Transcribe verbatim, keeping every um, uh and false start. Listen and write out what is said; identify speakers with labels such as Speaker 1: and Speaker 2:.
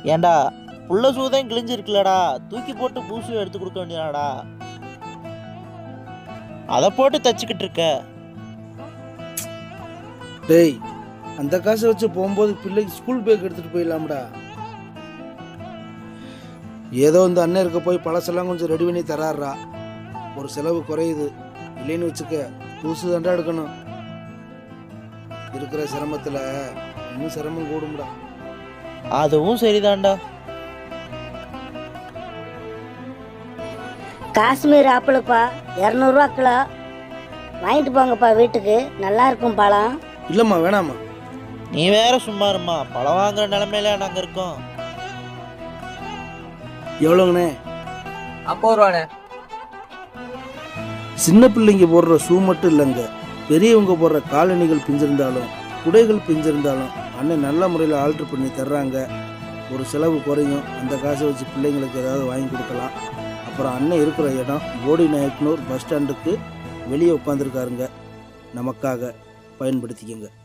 Speaker 1: ஏண்டா புள்ள சூதான் கிழிஞ்சிருக்குலடா, தூக்கி போட்டு பூசு எடுத்து கொடுக்க வேண்டியதாடா. அதை போட்டு தச்சுக்கிட்டு இருக்க.
Speaker 2: டேய், அந்த காசை வச்சு போகும்போது பிள்ளைக்கு ஸ்கூல் பேக் எடுத்துட்டு போயிடலாம்டா. ஏதோ இந்த அண்ணன் இருக்க போய் பழசெல்லாம் கொஞ்சம் ரெடி பண்ணி தராறா, ஒரு செலவு குறையுது. இல்லைன்னு வச்சுக்க, புதுசு தாண்டா எடுக்கணும். இருக்கிற சிரமத்தில் இன்னும் சிரமம் கூடும்டா.
Speaker 1: அதுவும் சரிதான்டா.
Speaker 3: காஷ்மீர் ஆப்பிளுப்பா, இரநூறுவா கிலோ. வாங்கிட்டு போங்கப்பா வீட்டுக்கு, நல்லா இருக்கும் பழம்.
Speaker 2: இல்லைம்மா, வேணாம்மா.
Speaker 1: நீ வேற சும்மா இருமா, பழம் வாங்குற நிலைமையில நாங்கள் இருக்கோம்.
Speaker 2: எவ்வளோங்கண்ணே?
Speaker 4: ஐம்பது ரூபாண்ணே.
Speaker 2: சின்ன பிள்ளைங்க போடுற ஷூ மட்டும் இல்லைங்க, பெரியவங்க போடுற காலணிகள் பிஞ்சிருந்தாலும் குடைகள் பிஞ்சிருந்தாலும் அண்ணன் நல்ல முறையில் ஆல்ட்ரு பண்ணி தர்றாங்க. ஒரு செலவு குறையும். அந்த காசை வச்சு பிள்ளைங்களுக்கு ஏதாவது வாங்கி கொடுக்கலாம். அப்புறம் அண்ணன் இருக்கிற இடம் போடி நாயக்கனூர் பஸ் ஸ்டாண்டுக்கு வெளியே உட்காந்துருக்காருங்க. நமக்காக பயன்படுத்திக்கங்க.